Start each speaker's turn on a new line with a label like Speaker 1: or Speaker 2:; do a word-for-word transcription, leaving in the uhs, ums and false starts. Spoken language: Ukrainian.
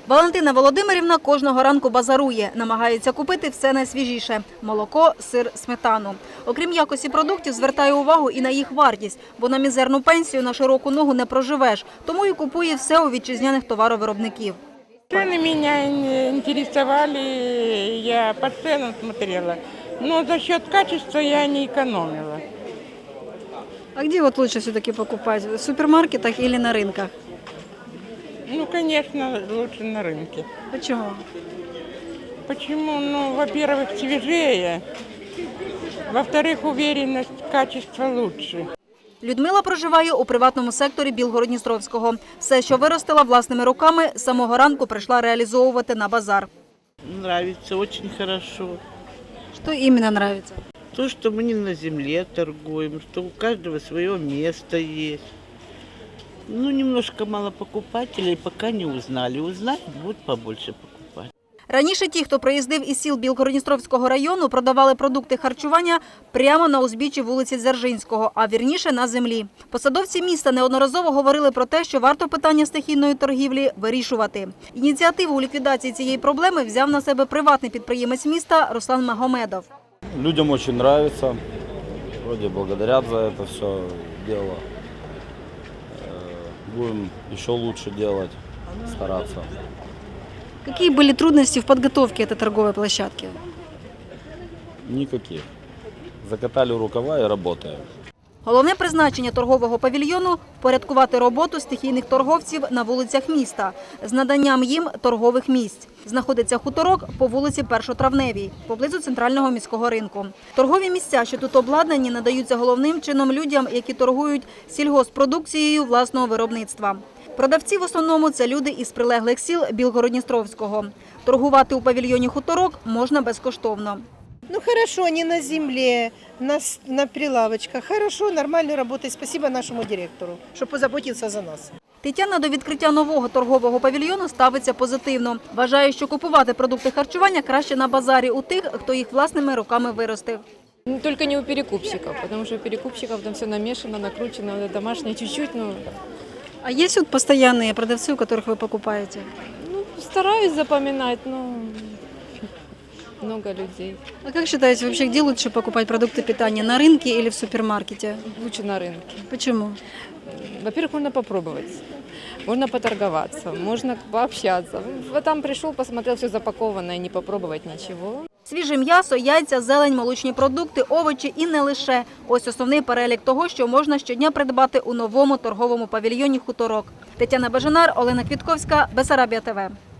Speaker 1: Валентина Володимирівна кожного ранку базарує, намагається купити все найсвіжіше – молоко, сир, сметану. Окрім якості продуктів, звертає увагу і на їх вартість, бо на мізерну пенсію на широку ногу не проживеш, тому і купує все у вітчизняних товаровиробників.
Speaker 2: Цены меня интересовали, я по ценам смотрела, но за счет качества я не экономила.
Speaker 1: А где вот лучше все-таки покупать? В супермаркетах или на рынках?
Speaker 2: Ну, конечно, лучше на рынке.
Speaker 1: Почему?
Speaker 2: Почему? Ну, во-первых, свежее, во-вторых, уверенность, качество лучше.
Speaker 1: Людмила проживає у приватному секторі Білгород-Дністровського. Все, що виростила власними руками, з самого ранку прийшла реалізовувати на базар.
Speaker 3: Нравится, очень хорошо.
Speaker 1: Що іменно подобається?
Speaker 3: То, что мы не на земле торгуем, что у каждого свое место есть. Ну, немножко мало покупателей, пока не узнали. Узнать, будут побольше покупать.
Speaker 1: Раніше ті, хто приїздив із сіл Білгород-Дністровського району, продавали продукти харчування прямо на узбіччі вулиці Дзержинського, а вірніше на землі. Посадовці міста неодноразово говорили про те, що варто питання стихійної торгівлі вирішувати. Ініціативу у ліквідації цієї проблеми взяв на себе приватний підприємець міста Руслан Магомедов.
Speaker 4: Людям очень нравится, вроде благодарят за это все дело. Будем еще лучше делать, стараться.
Speaker 1: Какие были трудности в подготовке этой торговой площадки?
Speaker 4: Никаких. Закатали рукава и работаем.
Speaker 1: Головне призначення торгового павільйону – впорядкувати роботу стихійних торговців на вулицях міста з наданням їм торгових місць. Знаходиться хуторок по вулиці Першотравневій, поблизу центрального міського ринку. Торгові місця, що тут обладнані, надаються головним чином людям, які торгують сільгосппродукцією власного виробництва. Продавці в основному – це люди із прилеглих сіл Білгород-Дністровського. Торгувати у павільйоні «Хуторок» можна безкоштовно.
Speaker 5: Ну хорошо, не на земле, на, на прилавочках. Хорошо, нормально работает. Спасибо нашему директору, что позаботился за нас.
Speaker 1: Тетяна до відкриття нового торгового павільйону ставиться позитивно. Вважає, що купувати продукти харчування краще на базарі у тих, хто їх власними руками виростив.
Speaker 6: Только не у перекупщиков, потому что у перекупщиков там все намешано, накручено, домашнее чуть-чуть. Ну,
Speaker 1: А є тут постійні продавці, у яких ви покупаєте?
Speaker 6: ну, стараюсь запоминать, но много людей.
Speaker 1: А как считаете, вообще где лучше покупать продукты питания, на рынке или в супермаркете?
Speaker 6: Лучше на рынке.
Speaker 1: Почему?
Speaker 6: Во-первых, можно попробовать, можно поторговаться, можно пообщаться. Вот там пришел, посмотрел, все запакованное, не попробовать ничего.
Speaker 1: Свіже м'ясо, яйця, зелень, молочні продукти, овочі і не лише. Ось основний перелік того, що можна щодня придбати у новому торговому павільйоні «Хуторок». Тетяна Бежанар, Олена Квітковська, Бессарабія ТВ.